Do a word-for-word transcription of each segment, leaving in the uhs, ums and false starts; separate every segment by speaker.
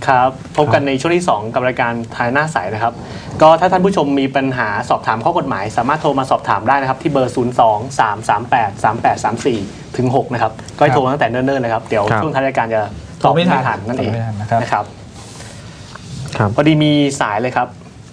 Speaker 1: ครับพบกันในช่วงที่สองกับรายการทายหน้าใสนะครับก็ถ้าท่านผู้ชมมีปัญหาสอบถามข้อกฎหมายสามารถโทรมาสอบถามได้นะครับที่เบอร์ ศูนย์ สอง สาม สาม แปด สาม แปด สาม สี่ ถึง หก นะครับก็ให้โทรตั้งแต่เนิ่นๆเลยครับเดี๋ยวช่วงท้ายรายการจะตอบไม่ทันนั่นเองนะครับพอดีมีสายเลยครับ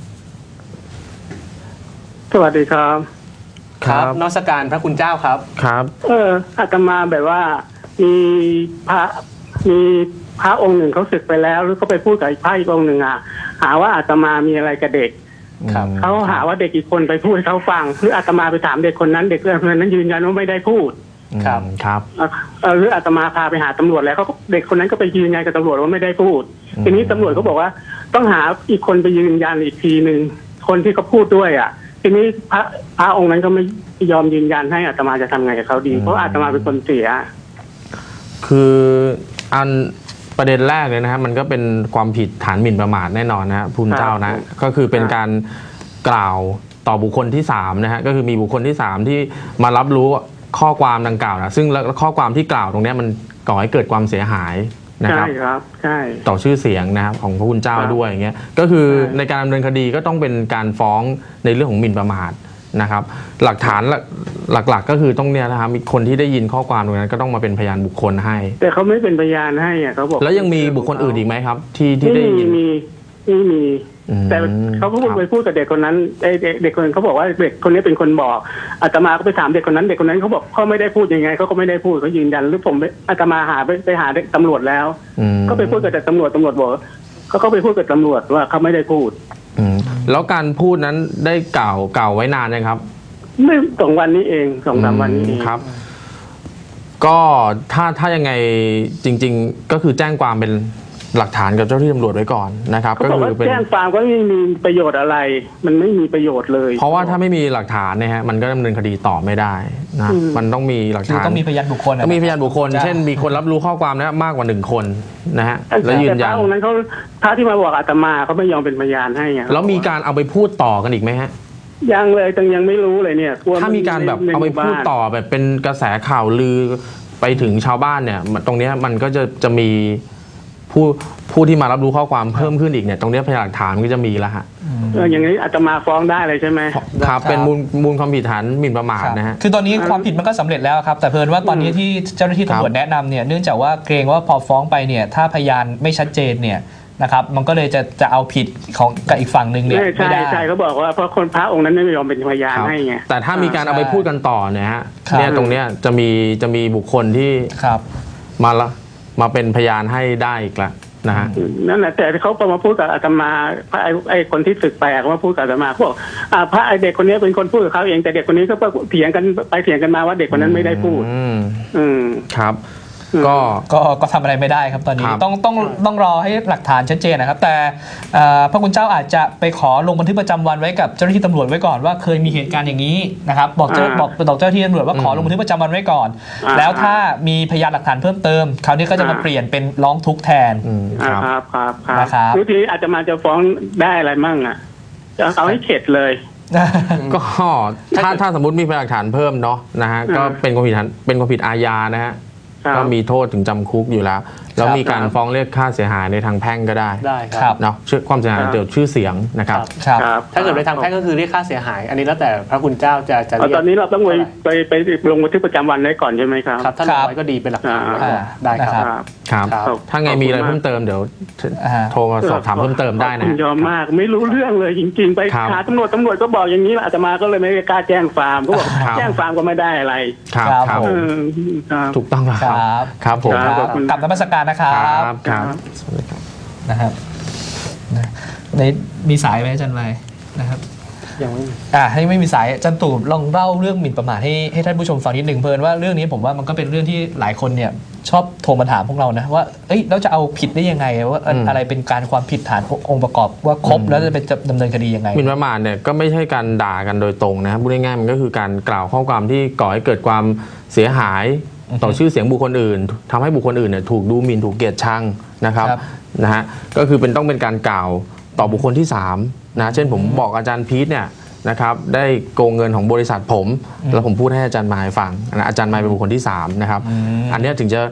Speaker 2: สวัสดีครับ
Speaker 1: ครับนมัสการพระคุณเจ้าครับ
Speaker 2: ครับเอออาตมาแบบว่ามีพระมีพระองค์หนึ่งเขาศึกไปแล้วหรือเขาไปพูดกับพระอีกองค์หนึ่งอ่ะหาว่าอาตมามีอะไรกับเด็กเขาหาว่าเด็กอีกคนไปพูดให้เขาฟังหรืออาตมาไปถามเด็กคนนั้นเด็กคนนั้นยืนยันว่าไม่ได้พูด
Speaker 1: ครับครับ
Speaker 2: หรืออาตมาพาไปหาตำรวจแล้วเขาเด็กคนนั้นก็ไปยืนยันกับตำรวจว่าไม่ได้พูดทีนี้ตำรวจเขาบอกว่าต้องหาอีกคนไปยืนยันอีกทีหนึ่งคนที่เขาพูดด้วยอ่ะทีนี้พระพระองค์นั้นก็ไม่ยอมยืนยันให้อาตมาจะทำไงกับเขาดีเพราะอาตมาเป็นคนเสีย
Speaker 3: คืออันประเด็นแรกเลยนะครับมันก็เป็นความผิดฐานหมิ่นประมาทแน่นอนนะพุนเจ้านะก็คือเป็นการกล่าวต่อบุคคลที่สามนะฮะก็คือมีบุคคลที่สามที่มารับรู้ข้อความดังกล่าวนะซึ่งข้อความที่กล่าวตรงนี้มันก่อให้เกิดความเสียหายนะครับ
Speaker 2: ใช่ครับใช่
Speaker 3: ต่อชื่อเสียงนะครับของพระคุณเจ้าด้วยอย่างเงี้ยก็คือในการดำเนินคดีก็ต้องเป็นการฟ้องในเรื่องของหมิ่นประมาทนะครับหลักฐานหลักๆก็คือต้องเนี่ยนะครับมีคนที่ได้ยินข้อความตรงนั้นก็ต้องมาเป็นพยานบุคคลให้
Speaker 2: แต่เขาไม่เป็นพยานให้อ่ะเขาบอก
Speaker 3: แล้วยังมีบุคคลอื่นอีกไหมครับที่ที่ได้ยิน
Speaker 2: มีไม่มีแต่เขาก็ไปพูดกับเด็กคนนั้นเด็กคนนั้นเขาบอกว่าเด็กคนนี้เป็นคนบอกอาตมาก็ไปถามเด็กคนนั้นเด็กคนนั้นเขาบอกเขาไม่ได้พูดยังไงเขาก็ไม่ได้พูดเขายืนยันหรือผมอาตมาหาไปไปหาตำรวจแล้วก็ไปพูดกับแต่ตำรวจตำรวจบอกเขาก็ไปพูดกับตำรวจว่าเขาไม่ได้พูด
Speaker 3: แล้วการพูดนั้นได้กล่าวกล่าวไว้นานนะครับ
Speaker 2: ไม่สองวันนี้เองสองสามวันนี้
Speaker 3: ครับก็ถ้าถ้ายังไงจริงๆก็คือแจ้งความเป็นหลักฐานกับเจ้าที่ตำรวจไว้ก่อนนะครับ
Speaker 2: ก็คือแจ้งความก็ไม่มีประโยชน์อะไรมันไม่มีประโยชน์เลย
Speaker 3: เพราะว่าถ้าไม่มีหลักฐานเนี่ยฮะมันก็ดำเนินคดีต่อไม่ได้นะมันต้องมีหลักฐาน
Speaker 1: ต้องมีพยานบุคคล
Speaker 3: ต้องมีพยานบุคคลเช่นมีคนรับรู้ข้อความนี้มากกว่าหนึ่งคนนะฮะแล้วยืนยัน
Speaker 2: แต่พระองค์นั้นเขาพระที่มาบอกอาตมาเขาไม่ยอมเป็นพยานให้ไง
Speaker 3: แล้วมีการเอาไปพูดต่อกันอีกไหมฮะ
Speaker 2: ยังเลยตังยังไม่รู้เลยเนี่ย
Speaker 3: ถ้ามีการแบบเอาไปพูดต่อแบบเป็นกระแสข่าวลือไปถึงชาวบ้านเนี่ยตรงนี้มันก็จะจะมีผู้ผู้ที่มารับรู้ข้อความเพิ่มขึ้นอีกเนี่ยตรงนี้พยานหลักฐานก็จะมีแล้วฮะ
Speaker 2: อย่างนี้อาจจะมาฟ้องได้เลยใช่ไหม
Speaker 3: ครับเป็นมูลมูลความผิดฐานหมิ่นประมาทนะฮะ
Speaker 1: คือตอนนี้ความผิดมันก็สำเร็จแล้วครับแต่เพิ่นว่าตอนนี้ที่เจ้าหน้าที่ตำรวจแนะนำเนี่ยเนื่องจากว่าเกรงว่าพอฟ้องไปเนี่ยถ้าพยานไม่ชัดเจนเนี่ยนะครับมันก็เลยจะจะเอาผิดของกับอีกฝั่งหนึ่งเนี่ย
Speaker 2: ไม่ได้ใช่เขาบอกว่าเพราะคนพระองค์นั้นไม่ยอมเป็นพยานให้ไง
Speaker 3: แต่ถ้ามีการเอาไปพูดกันต่อเนี่ยฮะเนี่ยตรงเนี้ยจะมีจะมีบุคคลที่มาละมาเป็นพยานให้ได้อีกละนะฮะ
Speaker 2: นั่นแหละแต่เขาพอมาพูดกับอาตมาพระไอ้คนที่ศึกไปเขามาพูดกับอาตมาพวกพระไอเด็กคนนี้เป็นคนพูดกับเขาเองแต่เด็กคนนี้ก็เถียงกันไปเถียงกันมาว่าเด็กคนนั้นไม่ได้พูด
Speaker 3: อืมครับก็
Speaker 1: ก็ก็ทำอะไรไม่ได้ครับตอนนี้ต้องต้องต้องรอให้หลักฐานชัดเจนนะครับแต่พระคุณเจ้าอาจจะไปขอลงบันทึกประจำวันไว้กับเจ้าหน้าที่ตำรวจไว้ก่อนว่าเคยมีเหตุการณ์อย่างนี้นะครับบอกเจ้าบอกบอกเจ้าหน้าที่ตำรวจว่าขอลงบันทึกประจำวันไว้ก่อนแล้วถ้ามีพยานหลักฐานเพิ่มเติมคราวนี้ก็จะมาเปลี่ยนเป็นร้องทุกข์แทน
Speaker 2: ครับครับครับวิธีอาจจะมาจะฟ้องได้อะไรมั่งอ่ะจะเอาให้เข็ดเลย
Speaker 3: ก็ถ้าถ้าสมมติมีพยานหลักฐานเพิ่มเนาะนะฮะก็เป็นความผิดเป็นความผิดอาญานะฮะก็มีโทษถึงจำคุกอยู่แล้วแล้วมีการฟ้องเรียกค่าเสียหายในทางแพ่งก็ได้
Speaker 1: ได้ครับ
Speaker 3: เนาะความเสียหายเกี่ยวกับชื่อเสียงนะครับ
Speaker 1: ถ้าเกิดในทางแพ่งก็คือเรียกค่าเสียหายอันนี้แล้วแต่พระคุณเจ้าจะจะเรียก
Speaker 2: ตอนนี้เราต้องไปไปไปลงบันทึกประจำวันไว้ก่อนใช่ไหมครับ
Speaker 1: ถ้าลงไว้ก็ดีเป็นหลักฐานได้ครับ
Speaker 3: ครับถ้าไงมีอะไรเพิ่มเติมเดี๋ยวโทรมาสอบถามเพิ่มเติมได้นะ
Speaker 2: ยอมมากไม่รู้เรื่องเลยจริงๆไปหาตำรวจตำรวจก็บอกอย่างนี้อาตมาก็เลยไม่กล้าแจ้งฟาร์มก็บอกแจ้งฟาร์มก็ไม่ได้อะไร
Speaker 3: ครับถูกต้องครับครับผม
Speaker 1: กลับนมัสการนะครับ
Speaker 3: ครับ
Speaker 1: นะครับในมีสายไหมอาจารย์ไมนะครับ
Speaker 2: ยังไม่
Speaker 1: อ่าให้ไม่มีสายอาจารย์ตู่ลองเล่าเรื่องหมิ่นประมาทให้ให้ท่านผู้ชมฟังนิดหนึ่งเพิ่นว่าเรื่องนี้ผมว่ามันก็เป็นเรื่องที่หลายคนเนี่ยชอบโทรมาถามพวกเรานะว่าเอ้ยเราจะเอาผิดได้ยังไงว่าอะไรเป็นการความผิดฐานองค์ประกอบว่าครบแล้วจะเป็นดำเนินคดียังไง
Speaker 3: หมิ่นประมาทเนี่ยก็ไม่ใช่การด่ากันโดยตรงนะครับพูดง่ายๆมันก็คือการกล่าวข้อความที่ก่อให้เกิดความเสียหายต่อชื่อเสียงบุคคลอื่นทำให้บุคคลอื่นเนี่ยถูกดูหมิ่นถูกเกลียดชังนะครับนะฮะก็คือเป็นต้องเป็นการกล่าวต่อบุคคลที่สามนะเช่นผมบอกอาจารย์พีทเนี่ยนะครับได้โกงเงินของบริษัทผมแล้วผมพูดให้อาจารย์มายฟังอาจารย์มายเป็นบุคคลที่สามนะครับอันนี้ถึงจะ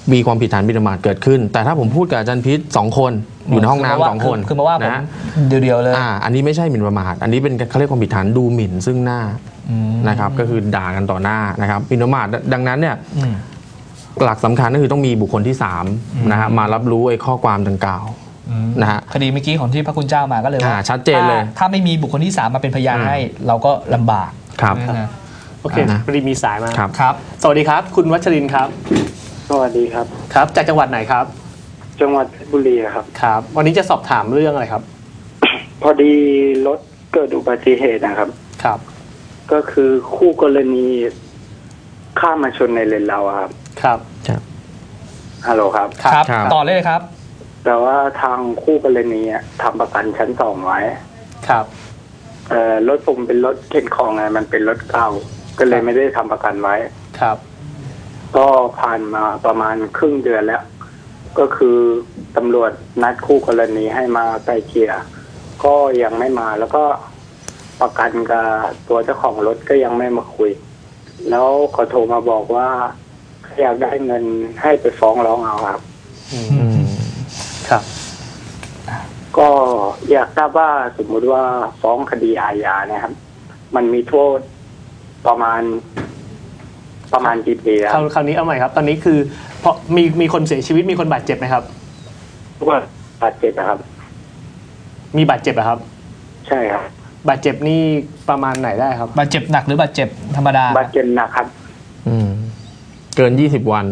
Speaker 3: มีความผิดฐานหมิ่นประมาทเกิดขึ้น แต่ถ้าผมพูดกับอาจารย์พิษสองคนอยู่ในห้องน้ำสองคน
Speaker 4: คือมาว่าผม
Speaker 3: นะ
Speaker 4: เดียวๆเลย
Speaker 3: อ่าอันนี้ไม่ใช่หมิ่นประมาทอันนี้เป็นเขาเรียกความผิดฐานดูหมิ่นซึ่งหน้านะครับก็คือด่ากันต่อหน้านะครับหมิ่นประมาทดังนั้นเนี่ยหลักสำคัญก็คือต้องมีบุคคลที่สามนะฮะมารับรู้ไอ้ข้อความดังกล่าวนะฮะ
Speaker 4: คดีเมื่อกี้ของที่พระคุณเจ้ามาก็เลยว่า
Speaker 3: ชัดเจนเลย
Speaker 4: ถ้าไม่มีบุคคลที่สามมาเป็นพยานให้เราก็ลำบาก
Speaker 3: ครับ
Speaker 1: โอเคพอดีมีสายมา
Speaker 3: ครับ
Speaker 4: ครับ
Speaker 1: สวัสดีครับคุณวัชรินทร์ครับ
Speaker 2: สวัสดีครับ
Speaker 1: ครับจากจังหวัดไหนครับ
Speaker 2: จังหวัดเพชรบุรีครับ
Speaker 1: ครับวันนี้จะสอบถามเรื่องอะไรครับ
Speaker 2: พอดีรถเกิดอุบัติเหตุนะครับ
Speaker 1: ครับ
Speaker 2: ก็คือคู่กรณีข้ามมาชนในเลนเราครับ
Speaker 1: ครับ
Speaker 3: ครับ
Speaker 2: ฮัลโหลครับ
Speaker 4: ครับต่อเลยครับ
Speaker 2: แต่ว่าทางคู่กรณีทำประกันชั้นสองไว้
Speaker 1: ครับ
Speaker 2: เอ่อรถผมเป็นรถเข็นของไงมันเป็นรถเก่าก็เลยไม่ได้ทำประกันไว้
Speaker 1: ครับ
Speaker 2: ก็ผ่านมาประมาณครึ่งเดือนแล้วก็คือตำรวจนัดคู่กรณีให้มาไกลเกลี่ยก็ยังไม่มาแล้วก็ประกันกับตัวเจ้าของรถก็ยังไม่มาคุยแล้วเขาโทรมาบอกว่าอยากได้เงินให้ไปฟ้องร้องเอาครับ
Speaker 1: อืมครับ
Speaker 2: ก็อยากทราบว่าสมมุติว่าฟ้องคดีอาญาเนี่ยครับมันมีโทษประมาณประมาณกี่ปีครับ
Speaker 1: คราวนี้เอาใหม่ครับตอนนี้คือเพราะมีมีคนเสียชีวิตมีคนบาดเจ็บไหมครับ
Speaker 2: ว่าบาดเจ็บนะครับ
Speaker 1: มีบาดเจ็บอะครับ
Speaker 2: ใช่ครับ
Speaker 1: บาดเจ็บนี่ประมาณไหนได้ครับ
Speaker 4: บาดเจ็บหนักหรือบาดเจ็บธรรมดา
Speaker 2: บาดเจ็บหนักครับ
Speaker 3: อืมเกินยี่สิบวัน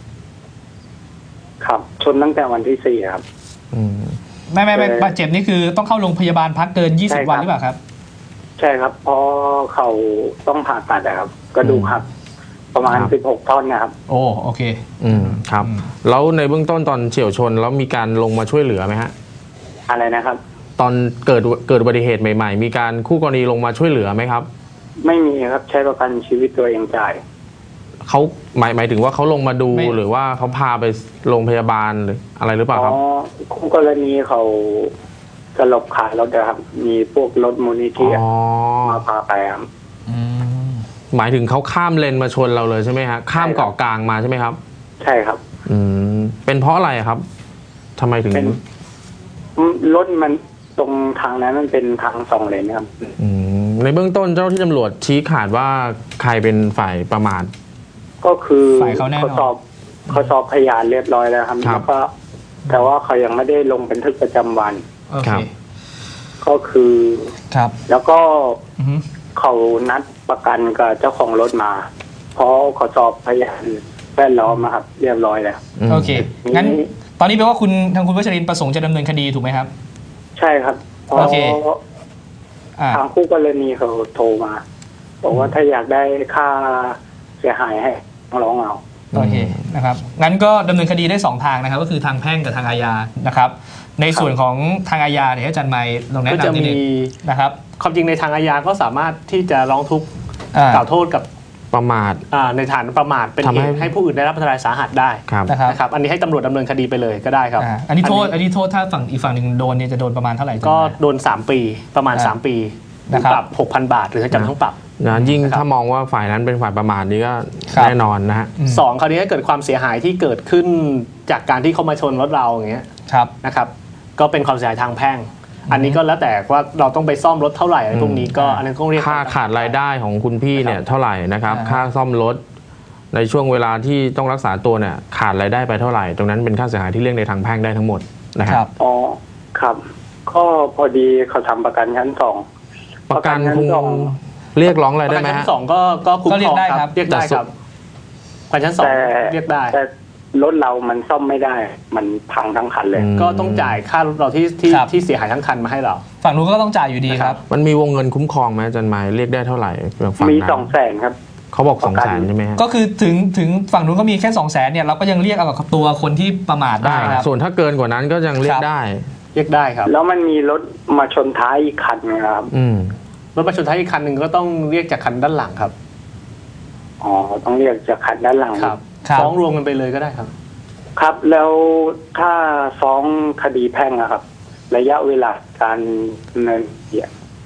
Speaker 2: ครับชนตั้งแต่วันที่สี่ครับ
Speaker 3: อืม
Speaker 4: ไม่ไม่ไม่บาดเจ็บนี่คือต้องเข้าโรงพยาบาลพักเกินยี่สิบวันหรือเปล่าครับ
Speaker 2: ใช่ครับเพราะเขาต้องผ่าตัดนะครับกระดูกหักประมาณสิบหกท่อนนะครับ
Speaker 4: โอ้โอเค
Speaker 3: อืมครับแล้วในเบื้องต้นตอนเฉี่ยวชนแล้วมีการลงมาช่วยเหลือไหมฮะ
Speaker 2: อะไรนะครับ
Speaker 3: ตอนเกิดเกิดอุบัติเหตุใหม่ๆมีการคู่กรณีลงมาช่วยเหลือไหมครับ
Speaker 2: ไม่มีครับใช้ประกันชีวิตตัวเองจ่าย
Speaker 3: เขาหมายหมายถึงว่าเขาลงมาดูหรือว่าเขาพาไปโรงพยาบาลหรืออะไรหรือเปล่าครับ
Speaker 2: อ๋อคู่กรณีเขาสลบขาดรถนะครับมีพวกรถมูลนิธิมาพาไปครับ
Speaker 3: หมายถึงเขาข้ามเลนมาชนเราเลยใช่ไหมฮะข้ามเกาะกลางมาใช่ไหมครับ
Speaker 2: ใช่ครับ
Speaker 3: อืมเป็นเพราะอะไรครับทำไมถึง
Speaker 2: รถมันตรงทางนั้นมันเป็นทางสองเลนครับ
Speaker 3: อืมในเบื้องต้นเจ้าที่ตำรวจชี้ขาดว่าใครเป็นฝ่ายประมาท
Speaker 2: ก็คือเขาสอบเขาสอบพยานเรียบร้อยแล้วครับแล้วก็แต่ว่าเขายังไม่ได้ลงบันทึกประจำวัน
Speaker 3: ครับ
Speaker 2: ก็คือ
Speaker 4: ครับ
Speaker 2: แล้วก็เขานัดประกันกับเจ้าของรถมาเพราะเขาสอบพยานแวดล้อมมาครับเรียบร้อยแล้ว
Speaker 4: โอเคงั้นตอนนี้แปลว่าคุณทางคุณวัชรินทร์ประสงค์จะดำเนินคดีถูกไหมครับ
Speaker 2: ใช่ครับเพราะทางคู่กรณีเขาโทรมาบอกว่าถ้าอยากได้ค่าเสียหายให้ร้องเอา
Speaker 4: โอเคนะครับงั้นก็ดำเนินคดีได้สองทางนะครับก็คือทางแพ่งกับทางอาญานะครับในส่วนของทางอาญาเนี่ยอาจารย์ไมค์ลองแนะนำนิดนึงนะครับ
Speaker 1: ความจริงในทางอาญาก็สามารถที่จะร้องทุกข์กล่าวโทษกับ
Speaker 3: ประมาท
Speaker 1: ในฐานประมาทเป็นเหตุให้ผู้อื่นได้รับอันตรายสาหัสได้นะครับอันนี้ให้ตำรวจดำเนินคดีไปเลยก็ได้ครับ
Speaker 4: อันนี้โทษอันนี้โทษถ้าฝั่งอีกฝั่งหนึ่งโดนเนี่ยจะโดนประมาณเท่าไหร่
Speaker 1: ก็โดนสามปีประมาณสามปีปรับ หกพัน บาทหรือจำทั้งปรับ
Speaker 3: นะยิ่งถ้ามองว่าฝ่ายนั้นเป็นฝ่ายประมาทนี่ก็แน่นอนนะฮะ
Speaker 1: สองคราวนี้ถ้าเกิดความเสียหายที่เกิดขึ้นจากการที่เขามาชนรถเราอย่างเงี้ยนะครับก็เป็นความเสียหายทางแพ่งอันนี้ก็แล้วแต่ว่าเราต้องไปซ่อมรถเท่าไหร่อะไรพวกนี้ก็อันนั้นก็เรียก
Speaker 3: ค่าขาดรายได้ของคุณพี่เนี่ยเท่าไหร่นะครับค่าซ่อมรถในช่วงเวลาที่ต้องรักษาตัวเนี่ยขาดรายได้ไปเท่าไหร่ตรงนั้นเป็นค่าเสียหายที่เรียกในทางแพ่งได้ทั้งหมดนะครับ
Speaker 2: อ๋อครับก็พอดีเขาทำประกันชั้นสอง
Speaker 3: ประกันคงเรียกร้องอะไรได้ไหม
Speaker 1: ฮะประกันชั้นสองก็ก็คุ้มครองครับเรียกได้ครับประกันชั้นสองเรียกได้
Speaker 2: แต่รถเรามันซ่อมไม่ได้มันพังทั้งคันเลย
Speaker 1: ก็ต้องจ่ายค่ารถเราที่ที่ที่เสียหายทั้งคันมาให้เรา
Speaker 4: ฝั่งนู้นก็ต้องจ่ายอยู่ดีครับ
Speaker 3: มันมีวงเงินคุ้มครองไหมอาจารย์หมายเรียกได้เท่าไหร่
Speaker 2: มีสองแสนครับ
Speaker 3: เขาบอกสองแสนใช่ไหม
Speaker 4: ก็คือถึงถึงฝั่งนู้นก็มีแค่สองแสนเนี่ยเราก็ยังเรียกเอากับตัวคนที่ประมาทได้ครับ
Speaker 3: ส่วนถ้าเกินกว่านั้นก็ยังเรียกได้
Speaker 1: เรียกได้ครับ
Speaker 2: แล้วมันมีรถมาชนท้ายอีกคันนะครับ
Speaker 1: รถมาชนท้ายอีกคันหนึ่งก็ต้องเรียกจากคันด้านหลังครับ
Speaker 2: อ๋อต้องเรียกจากคันด้านหลัง
Speaker 1: ครับฟ้องรวมกันไปเลยก็ได้ครับ
Speaker 2: ครับแล้วถ้าฟ้องคดีแพ่งอะครับระยะเวลาการดำเนินคดี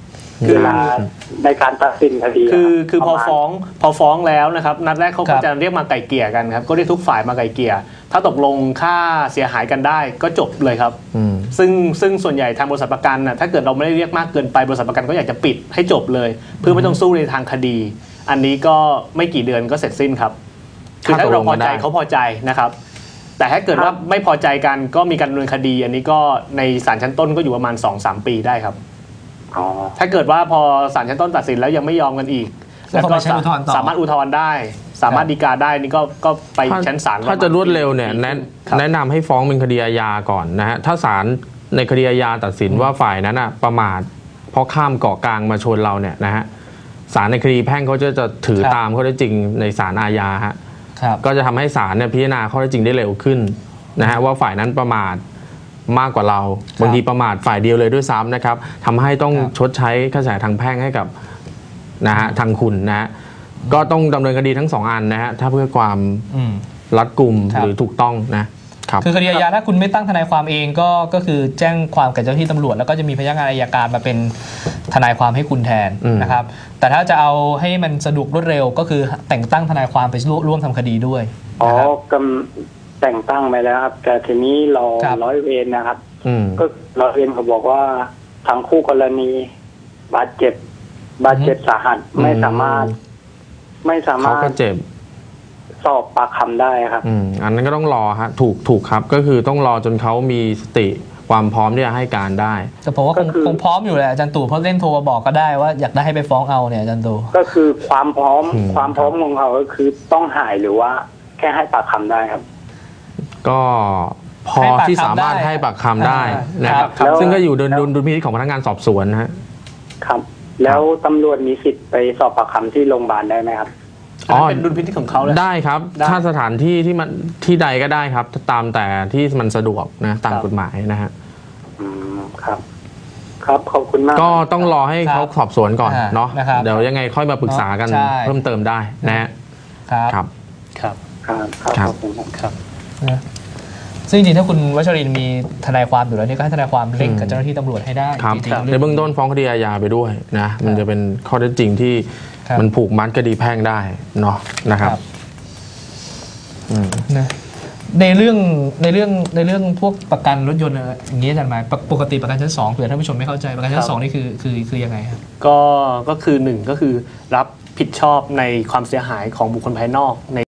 Speaker 2: เวลาในการตัดสินคดี
Speaker 1: คือคือพอ
Speaker 2: ประมาณ
Speaker 1: ฟ้องพอฟ้องแล้วนะครับนัดแรกเขา
Speaker 4: ครั
Speaker 1: ก็
Speaker 4: บ
Speaker 1: จะเรียกมาไกล่เกลี่ยกันครับก็เรียกทุกฝ่ายมาไกล่เกลี่ยถ้าตกลงค่าเสียหายกันได้ก็จบเลยครับ
Speaker 3: อืม
Speaker 1: ซึ่งซึ่งส่วนใหญ่ทางบริษัทประกันนะถ้าเกิดเราไม่ได้เรียกมากเกินไปบริษัทประกันก็อยากจะปิดให้จบเลย เพื่อไม่ต้องสู้ในทางคดี อันนี้ก็ไม่กี่เดือนก็เสร็จสิ้นครับคือถ้าเราพอใจเขาพอใจนะครับ แต่ถ้าเกิดว่าไม่พอใจกันก็มีการดำเนินคดี อันนี้ก็ในศาลชั้นต้นก็อยู่ประมาณ สองถึงสาม ปีได้ครับ
Speaker 2: อ๋อ
Speaker 1: ถ้าเกิดว่าพอศาลชั้นต้นตัดสินแล้วยังไม่ยอมกันอีก
Speaker 4: แล้วก็ไปชั้นอุทธรณ์ต่อ
Speaker 1: สามารถอุทธรณ์ได้ สามารถฎีกาได้นี่ก็ก็ไปชั้นศาล
Speaker 3: ถ้าจะรวดเร็วเนี่ยแนะ
Speaker 1: ครับ
Speaker 3: แนะนำให้ฟ้องเป็นคดีอาญาก่อนนะฮะถ้าศาลในคดีอาญาตัดสินว่าฝ่ายนั้นอ่ะประมาทเพราะข้ามเกาะกลางมาชนเราเนี่ยนะฮะศาลในคดีแพ่งเขาจะจะถือ
Speaker 4: ครับ
Speaker 3: ตามข้อเท็จจริงในศาลอาญาฮะ
Speaker 4: ครับ
Speaker 3: ก็จะทำให้ศาลเนี่ยพิจารณาข้อเท็จจริงได้เร็วขึ้นนะฮะว่าฝ่ายนั้นประมาทมากกว่าเราบางทีประมาทฝ่ายเดียวเลยด้วยซ้ำนะครับทำให้ต้อง
Speaker 4: ครับ
Speaker 3: ชดใช้ค่าเสียหายทางแพ่งให้กับนะฮะทางคุณนะฮะก็ต้องดำเนินคดีทั้งสองอันนะฮะถ้าเพื่อความ
Speaker 4: อืม
Speaker 3: รัดกุม
Speaker 4: ครับ
Speaker 3: หรือถูกต้องนะครับ
Speaker 4: คือคดีอาญาถ้าคุณไม่ตั้งทนายความเองก็ก็คือแจ้งความกับเจ้าหน้าที่ตำรวจแล้วก็จะมีพนักงานอัยการมาเป็นทนายความให้คุณแทน
Speaker 3: อืม
Speaker 4: นะครับ แต่ถ้าจะเอาให้มันสะดวกรวดเร็วก็คือแต่งตั้งทนายความไปร่วมทำคดีด้วย
Speaker 2: อ๋อ
Speaker 4: นะครับ
Speaker 2: กำแต่งตั้งไปแล้วครับ แต่ทีนี้รอ
Speaker 4: ครับ
Speaker 2: ร้อยเวรนะครับ
Speaker 3: อืม
Speaker 2: ก็ร้อยเวรเขาบอกว่าทางคู่กรณีบาดเจ็บ บาดเจ็บสาหัสไม่สามารถ ไม่สา
Speaker 3: เขา
Speaker 2: มาร
Speaker 3: ก็
Speaker 2: ถ
Speaker 3: เจ็บ
Speaker 2: สอบปากคำได้ครับ
Speaker 3: อืมอันนั้นก็ต้องรอฮะถูกถูกครับก็คือต้องรอจนเขามีสติความพร้อมที่จะให้การได้
Speaker 4: แต่ผมว่าค
Speaker 2: ก็
Speaker 4: ง
Speaker 2: คือ
Speaker 4: คงพร้อมอยู่แหละอาจารย์ตู่เพราะเล่นโทรมาบอกก็ได้ว่าอยากได้ให้ไปฟ้องเอาเนี่ยอาจารย์ตู่
Speaker 2: ก็คือความพร้อม
Speaker 3: อืม
Speaker 2: ความพร้อมของเขาก็คือต้องหายหรือว่าแค่ให้ปากคำได้ครับ
Speaker 3: ก็พอ
Speaker 4: ให้ปากคำ
Speaker 3: ที่สามารถ
Speaker 4: ได้
Speaker 3: ให้ปากคำได้
Speaker 4: อ่าน
Speaker 3: นะครับ
Speaker 2: ครับ
Speaker 3: ซึ่งก็อยู่ดุล
Speaker 2: แล้ว
Speaker 3: ดุลดุลพินิจของพนักงานสอบสวนนะฮะ
Speaker 2: ครับ แล้วตำรวจมีสิทธิ์ไปสอบปากคำที่โรงพยาบาลได้ไหมครับ
Speaker 1: อันนั้นเป็นดุลพินิจของเขาเลย
Speaker 3: ได้ครับ
Speaker 1: ได้
Speaker 3: ถ้าสถานที่ที่มันที่ใดก็ได้ครับตามแต่ที่มันสะดวกนะตาม
Speaker 1: ครับ
Speaker 3: กฎหมายนะฮะ
Speaker 2: อืมครับ ครับขอบคุณมาก
Speaker 3: ก็ต้องรอให้
Speaker 4: ครับ
Speaker 3: เขาสอบสวนก่อน
Speaker 4: อ่า
Speaker 3: เนาะ
Speaker 4: นะครับ
Speaker 3: เดี๋ยวยังไงค่อยมาปรึกษากัน
Speaker 4: ใช่
Speaker 3: เพิ่มเติมได้นะฮะ
Speaker 4: ครับ
Speaker 3: ครับ
Speaker 1: ครับ
Speaker 2: ครับครับ
Speaker 3: ครับ
Speaker 2: ขอบคุณครับ
Speaker 1: ครับ
Speaker 4: นะซึ่งจริงๆถ้าคุณวัชรินทร์มีทนายความอยู่แล้วนี่ก็ให้ทนายความเร่งกับ
Speaker 3: อืม
Speaker 4: เจ้าหน้าที่ตำรวจให้ได้
Speaker 3: ครับ
Speaker 4: จริงๆ
Speaker 3: ในเบื้องต้นฟ้องคดีอาญาไปด้วยนะมันจะเป็นข้อเท็จจริงที่
Speaker 4: ครับ
Speaker 3: มันผูกมัดคดีแพ่งได้เนาะนะครับ
Speaker 4: ครับ
Speaker 3: อืม
Speaker 4: นะในเรื่องในเรื่องในเรื่องพวกประกันรถยนต์อะไรอย่างนี้อาจารย์หมายปกปกติประกันชั้นสองเผื่อท่านผู้ชมไม่เข้าใจประกันชั้
Speaker 1: ครั
Speaker 4: น
Speaker 1: บ
Speaker 4: สองนี่คือคือคือยังไงครับ
Speaker 1: ก็ก็คือหนึ่งก็คือรับผิดชอบในความเสียหายของบุคคลภายนอกใน